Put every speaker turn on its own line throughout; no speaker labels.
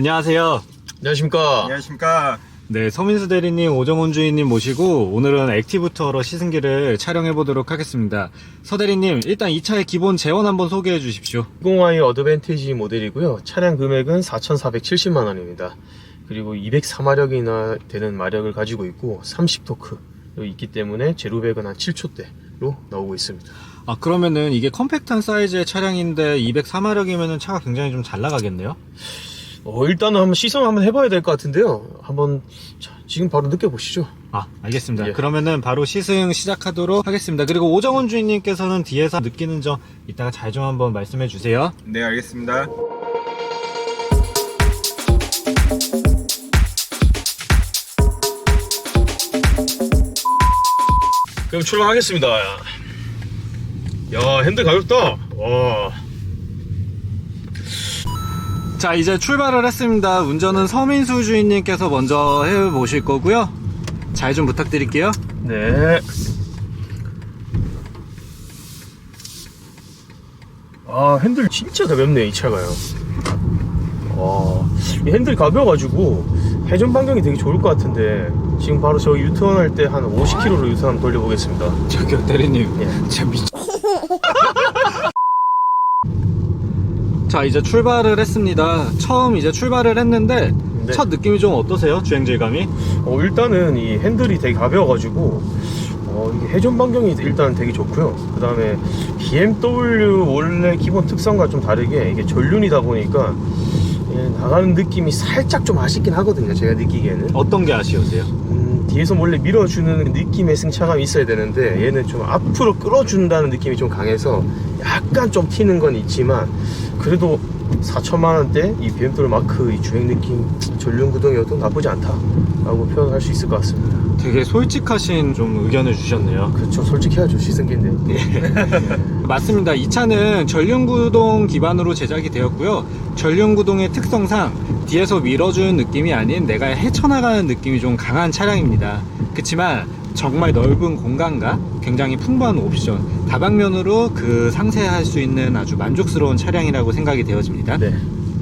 안녕하세요.
안녕하십니까.
안녕하십니까.
네, 서민수 대리님, 오정훈 주인님 모시고 오늘은 액티브 투어러 시승기를 촬영해 보도록 하겠습니다. 서 대리님, 일단 이 차의 기본 제원 한번 소개해 주십시오.
20i 어드밴티지 모델이고요. 차량 금액은 4,470만 원입니다. 그리고 204마력이나 되는 마력을 가지고 있고 30토크로 있기 때문에 제로백은 한 7초대로 나오고 있습니다.
아, 그러면은 이게 컴팩트한 사이즈의 차량인데 204마력이면은 차가 굉장히 좀 잘 나가겠네요?
일단은 한번 시승 한번 해봐야 될 것 같은데요. 한번 지금 바로 느껴보시죠.
아, 알겠습니다.
예.
그러면은 바로 시승 시작하도록 하겠습니다. 그리고 오정훈 주인님께서는 뒤에서 느끼는 점 이따가 잘 좀 한번 말씀해 주세요.
네, 알겠습니다.
그럼 출발하겠습니다. 야, 핸들 가볍다. 와.
자, 이제 출발을 했습니다. 운전은 서민수 주인님께서 먼저 해보실 거고요. 잘 좀 부탁드릴게요.
네. 아, 핸들 진짜 가볍네, 이 차가요. 이 핸들이 가벼워가지고 회전 반경이 되게 좋을 것 같은데 지금 바로 저 유턴 할 때 한 50km로 유턴 한번 돌려보겠습니다.
저기요, 대리님.
예.
진짜 자, 이제 출발을 했습니다. 처음 이제 출발을 했는데
네.
첫 느낌이 좀 어떠세요? 주행 질감이?
일단은 이 핸들이 되게 가벼워가지고 이게 회전 반경이 일단 되게 좋고요. 그 다음에 BMW 원래 기본 특성과 좀 다르게 이게 전륜이다 보니까 나가는 느낌이 살짝 좀 아쉽긴 하거든요. 제가 느끼기에는
어떤 게 아쉬우세요?
뒤에서 몰래 밀어주는 느낌의 승차감이 있어야 되는데 얘는 좀 앞으로 끌어준다는 느낌이 좀 강해서 약간 좀 튀는 건 있지만 그래도 4천만 원대 이 BMW 마크 이 주행 느낌 전륜 구동이어도 나쁘지 않다라고 표현할 수 있을 것 같습니다.
되게 솔직하신 좀 의견을 주셨네요.
그렇죠. 솔직해야죠. 시승기인데.
맞습니다. 이 차는 전륜구동 기반으로 제작이 되었고요. 전륜구동의 특성상 뒤에서 밀어주는 느낌이 아닌 내가 헤쳐나가는 느낌이 좀 강한 차량입니다. 그렇지만 정말 넓은 공간과 굉장히 풍부한 옵션, 다방면으로 그 상세할 수 있는 아주 만족스러운 차량이라고 생각이 되어집니다.
네.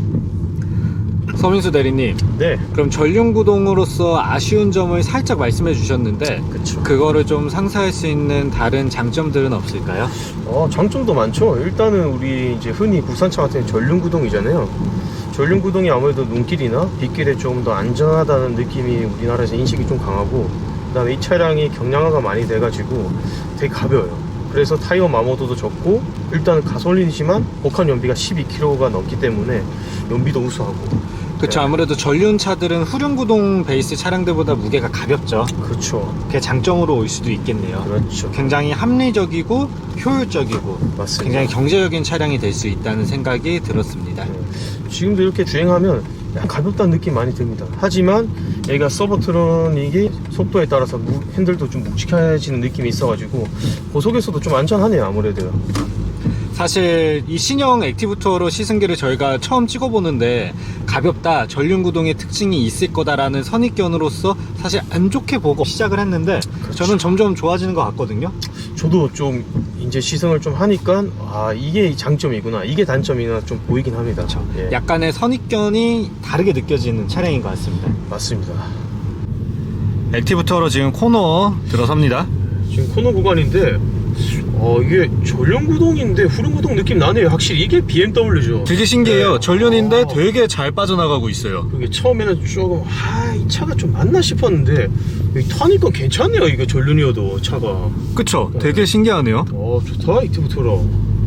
서민수 대리님,
네.
그럼 전륜구동으로서 아쉬운 점을 살짝 말씀해 주셨는데
그쵸.
그거를 좀 상쇄할 수 있는 다른 장점들은 없을까요?
장점도 많죠. 일단은 우리 이제 흔히 국산차 같은 경우 전륜 구동이잖아요. 전륜 구동이 아무래도 눈길이나 빗길에 좀 더 안전하다는 느낌이 우리나라에서 인식이 좀 강하고 그다음에 이 차량이 경량화가 많이 돼가지고 되게 가벼워요. 그래서 타이어 마모도도 적고 일단은 가솔린이지만 복합 연비가 12kg가 넘기 때문에 연비도 우수하고
그렇죠.
네.
아무래도 전륜차들은 후륜구동 베이스 차량들보다 무게가 가볍죠.
그렇죠.
그게 장점으로 올 수도 있겠네요.
그렇죠.
굉장히 합리적이고 효율적이고
맞습니다.
굉장히 경제적인 차량이 될 수 있다는 생각이 들었습니다.
지금도 이렇게 주행하면 약간 가볍다는 느낌 많이 듭니다. 하지만 얘가 서버트로닉이 속도에 따라서 핸들도 좀 묵직해지는 느낌이 있어가지고 고속에서도 좀 안전하네요. 아무래도.
사실 이 신형 액티브 투어로 시승기를 저희가 처음 찍어보는데 가볍다, 전륜구동의 특징이 있을 거다라는 선입견으로서 사실 안 좋게 보고 시작을 했는데
그렇죠.
저는 점점 좋아지는 것 같거든요.
저도 좀 이제 시승을 좀 하니까 이게 장점이구나 이게 단점이나 좀 보이긴 합니다. 예.
약간의 선입견이 다르게 느껴지는 차량인 것 같습니다.
맞습니다.
액티브 투어로 지금 코너 들어섭니다.
지금 코너 구간인데 이게 전륜 구동인데 후륜 구동 느낌 나네요. 확실히 이게 BMW죠.
되게 신기해요.
네.
전륜인데 되게 잘 빠져나가고 있어요.
그게 처음에는 조금 이 차가 좀 맞나 싶었는데 여기 타니까 괜찮네요. 이거 전륜이어도 차가
그쵸? 되게 신기하네요.
좋다. 액티브 투어러.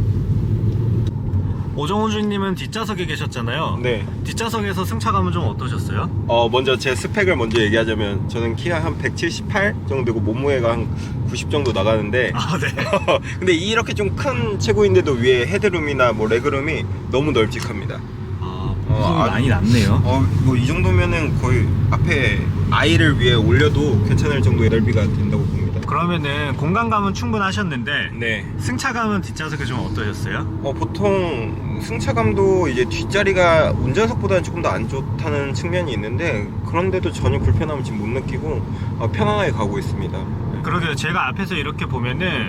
오정훈 주인님은 뒷좌석에 계셨잖아요.
네.
뒷좌석에서 승차감은 좀 어떠셨어요?
먼저 제 스펙을 먼저 얘기하자면 저는 키가 한 178 정도 되고 몸무게가 한 90 정도 나가는데
아, 네.
근데 이렇게 좀 큰 체구인데도 위에 헤드룸이나 뭐 레그룸이 너무 널찍합니다.
부품이 많이 남네요.
뭐 이 정도면은 거의 앞에 아이를 위해 올려도 괜찮을 정도의 넓이가 된다고 봅니다.
그러면은 공간감은 충분하셨는데
네.
승차감은 뒷좌석에 좀 어떠셨어요?
보통 승차감도 이제 뒷자리가 운전석보다는 조금 더 안 좋다는 측면이 있는데 그런데도 전혀 불편함을 지금 못 느끼고 편안하게 가고 있습니다.
그러게요. 제가 앞에서 이렇게 보면은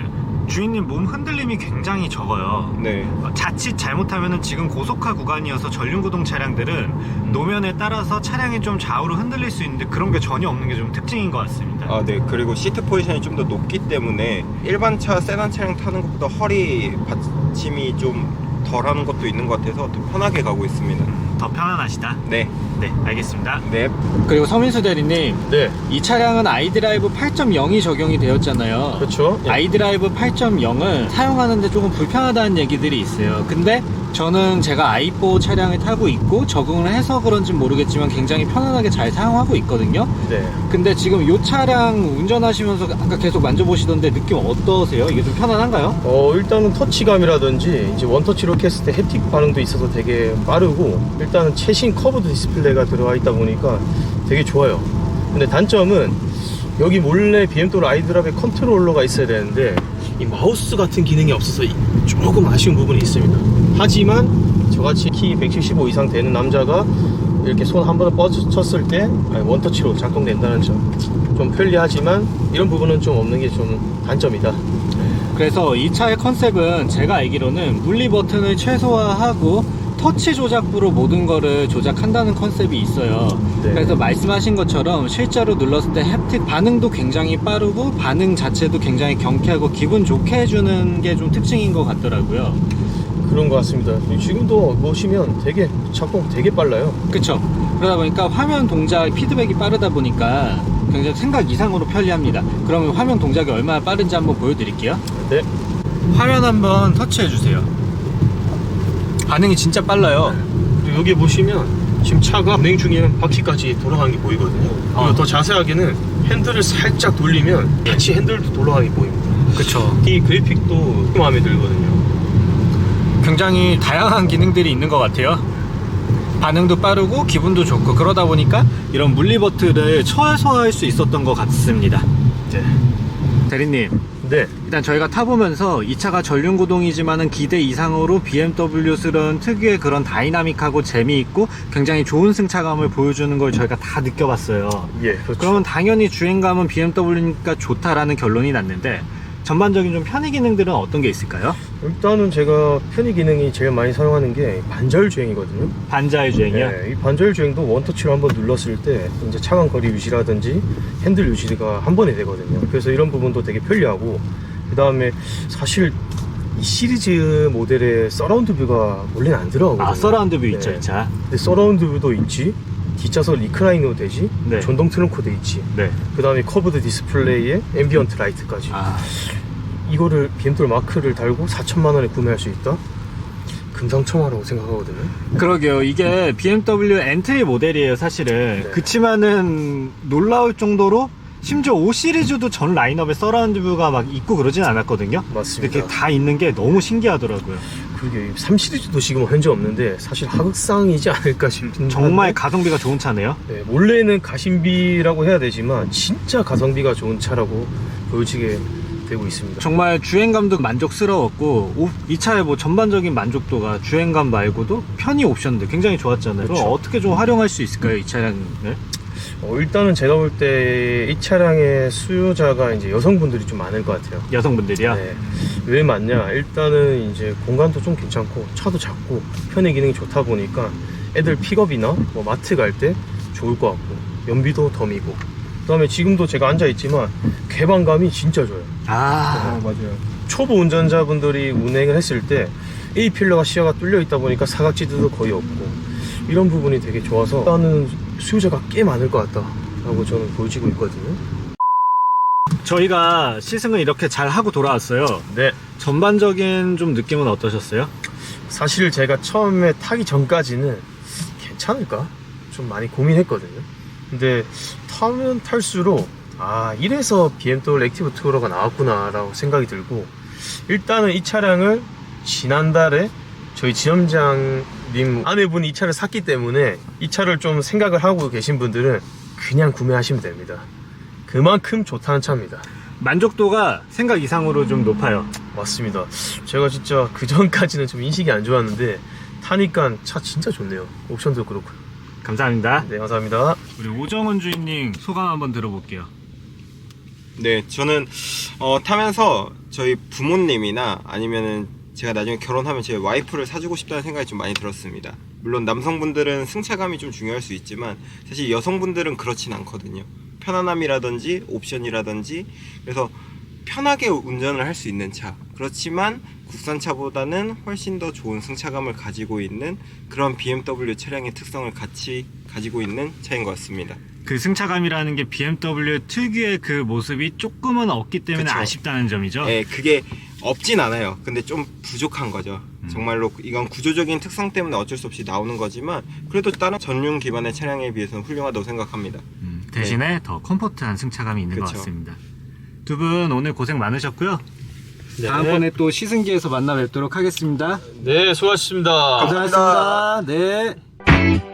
주인님 몸 흔들림이 굉장히 적어요.
네.
자칫 잘못하면 지금 고속화 구간이어서 전륜구동 차량들은 노면에 따라서 차량이 좀 좌우로 흔들릴 수 있는데 그런 게 전혀 없는 게 좀 특징인 것 같습니다.
아, 네. 그리고 시트 포지션이 좀 더 높기 때문에 일반 차, 세단 차량 타는 것보다 허리 받침이 좀 덜하는 것도 있는 것 같아서 더 편하게 가고 있습니다.
더 편안하시다.
네.
네, 알겠습니다.
네.
그리고 서민수 대리님,
네,
이 차량은 아이드라이브 8.0이 적용이 되었잖아요.
그렇죠. 예.
아이드라이브 8.0은 사용하는데 조금 불편하다는 얘기들이 있어요. 근데 저는 제가 i4 차량을 타고 있고 적응을 해서 그런지 모르겠지만 굉장히 편안하게 잘 사용하고 있거든요.
네.
근데 지금 이 차량 운전하시면서 아까 계속 만져보시던데 느낌 어떠세요? 이게 좀 편안한가요?
일단은 터치감이라든지 이제 원터치로 했을 때 햅틱 반응도 있어서 되게 빠르고, 일단은 최신 커브드 디스플레이가 들어가 있다 보니까 되게 좋아요. 근데 단점은 여기 몰래 BMW 아이드라이브 컨트롤러가 있어야 되는데 이 마우스 같은 기능이 없어서 조금 아쉬운 부분이 있습니다. 하지만 저같이 키 175 이상 되는 남자가 이렇게 손 한 번에 뻗쳤을 때 원터치로 작동된다는 점 좀 편리하지만 이런 부분은 좀 없는 게 좀 단점이다.
그래서 이 차의 컨셉은 제가 알기로는 물리 버튼을 최소화하고 터치 조작부로 모든 거를 조작한다는 컨셉이 있어요.
네.
그래서 말씀하신 것처럼 실제로 눌렀을 때 햅틱 반응도 굉장히 빠르고 반응 자체도 굉장히 경쾌하고 기분 좋게 해주는 게 좀 특징인 것 같더라고요.
그런 것 같습니다. 지금도 보시면 되게 작동 되게 빨라요.
그쵸? 그러다 보니까 화면 동작 피드백이 빠르다 보니까 굉장히 생각 이상으로 편리합니다. 그러면 화면 동작이 얼마나 빠른지 한번 보여드릴게요.
네.
화면 한번 터치해 주세요. 반응이 진짜 빨라요.
그리고 여기 보시면 지금 차가 운행 중에 바퀴까지 돌아가는 게 보이거든요. 그리고 더 자세하게는 핸들을 살짝 돌리면 같이 핸들도 돌아가는 게 보입니다.
그쵸?
이 그래픽도 마음에 들거든요.
굉장히 다양한 기능들이 있는 것 같아요. 반응도 빠르고 기분도 좋고 그러다 보니까 이런 물리 버튼을 최소화할 수 있었던 것 같습니다.
네.
대리님,
네.
일단 저희가 타보면서 이 차가 전륜구동이지만은 기대 이상으로 BMW스러운 특유의 그런 다이나믹하고 재미있고 굉장히 좋은 승차감을 보여주는 걸 저희가 다 느껴봤어요.
예, 그렇죠.
그러면 당연히 주행감은 BMW니까 좋다라는 결론이 났는데 전반적인 좀 편의 기능들은 어떤 게 있을까요?
일단은 제가 편의 기능이 제일 많이 사용하는 게 반절 주행이거든요.
반자의 주행이요?
네, 이 반절 주행도 원터치로 한번 눌렀을 때 이제 차간 거리 유지라든지 핸들 유지가 한 번에 되거든요. 그래서 이런 부분도 되게 편리하고, 그 다음에 사실 이 시리즈 모델의 서라운드 뷰가 원래는 안 들어가거든요.
아, 서라운드 뷰 있죠,
네.
이 차.
근데 서라운드 뷰도 있지, 뒷좌석 리클라이너도 되지,
네.
전동 트렁크도 있지,
네.
그 다음에 커브드 디스플레이에 앰비언트 라이트까지.
아,
이거를 BMW 마크를 달고 4천만 원에 구매할 수 있다? 금상첨화라고 생각하거든요.
그러게요. 이게 BMW 엔트리 모델이에요, 사실은.
네.
그치만은 놀라울 정도로 심지어 5 시리즈도 전 라인업에 서라운드 뷰가 막 있고 그러진 않았거든요.
맞습니다.
이렇게 다 있는 게 너무 신기하더라고요.
그게 3 시리즈도 지금 현재 없는데 사실 하극상이지 않을까 싶은.
정말
한데,
가성비가 좋은 차네요.
네, 원래는 가심비라고 해야 되지만 진짜 가성비가 좋은 차라고 보여지게 되고 있습니다.
정말 주행감도 만족스러웠고 이 차의 뭐 전반적인 만족도가 주행감 말고도 편의 옵션들 굉장히 좋았잖아요.
그렇죠.
그럼 어떻게 좀 활용할 수 있을까요, 이 차량을?
일단은 제가 볼 때 이 차량의 수요자가 이제 여성분들이 좀 많을 것 같아요.
여성분들이요?
네. 왜 많냐? 일단은 이제 공간도 좀 괜찮고 차도 작고 편의 기능이 좋다 보니까 애들 픽업이나 뭐 마트 갈 때 좋을 것 같고, 연비도 덤이고, 그 다음에 지금도 제가 앉아있지만 개방감이 진짜 좋아요.
아,
맞아요. 초보 운전자분들이 운행을 했을 때 A필러가 시야가 뚫려 있다 보니까 사각지대도 거의 없고, 이런 부분이 되게 좋아서 일단은 수요자가 꽤 많을 것 같다라고 저는 보여지고 있거든요.
저희가 시승을 이렇게 잘 하고 돌아왔어요.
네.
전반적인 좀 느낌은 어떠셨어요?
사실 제가 처음에 타기 전까지는 괜찮을까? 좀 많이 고민했거든요. 근데 타면 탈수록 이래서 BMW 액티브 투어러가 나왔구나 라고 생각이 들고, 일단은 이 차량을 지난달에 저희 지점장님 아내분이 이 차를 샀기 때문에 이 차를 좀 생각을 하고 계신 분들은 그냥 구매하시면 됩니다. 그만큼 좋다는 차입니다.
만족도가 생각 이상으로 좀 높아요.
맞습니다. 제가 진짜 그 전까지는 좀 인식이 안 좋았는데 타니까 차 진짜 좋네요. 옵션도 그렇고요.
감사합니다.
네, 감사합니다.
우리 오정은 주인님 소감 한번 들어볼게요.
네, 저는 타면서 저희 부모님이나 아니면은 제가 나중에 결혼하면 제 와이프를 사주고 싶다는 생각이 좀 많이 들었습니다. 물론 남성분들은 승차감이 좀 중요할 수 있지만 사실 여성분들은 그렇진 않거든요. 편안함이라든지 옵션이라든지, 그래서 편하게 운전을 할 수 있는 차, 그렇지만 국산차보다는 훨씬 더 좋은 승차감을 가지고 있는 그런 BMW 차량의 특성을 같이 가지고 있는 차인 것 같습니다.
그 승차감이라는 게 BMW 특유의 그 모습이 조금은 없기 때문에
그쵸.
아쉽다는 점이죠.
네, 그게 없진 않아요. 근데 좀 부족한 거죠. 정말로 이건 구조적인 특성 때문에 어쩔 수 없이 나오는 거지만 그래도 다른 전륜 기반의 차량에 비해서는 훌륭하다고 생각합니다.
대신에 더 컴포트한 승차감이 있는 것
그쵸.
같습니다. 두 분 오늘 고생 많으셨고요.
네.
다음번에 또 시승기에서 만나 뵙도록 하겠습니다.
네, 수고하셨습니다.
고생하셨습니다. 네.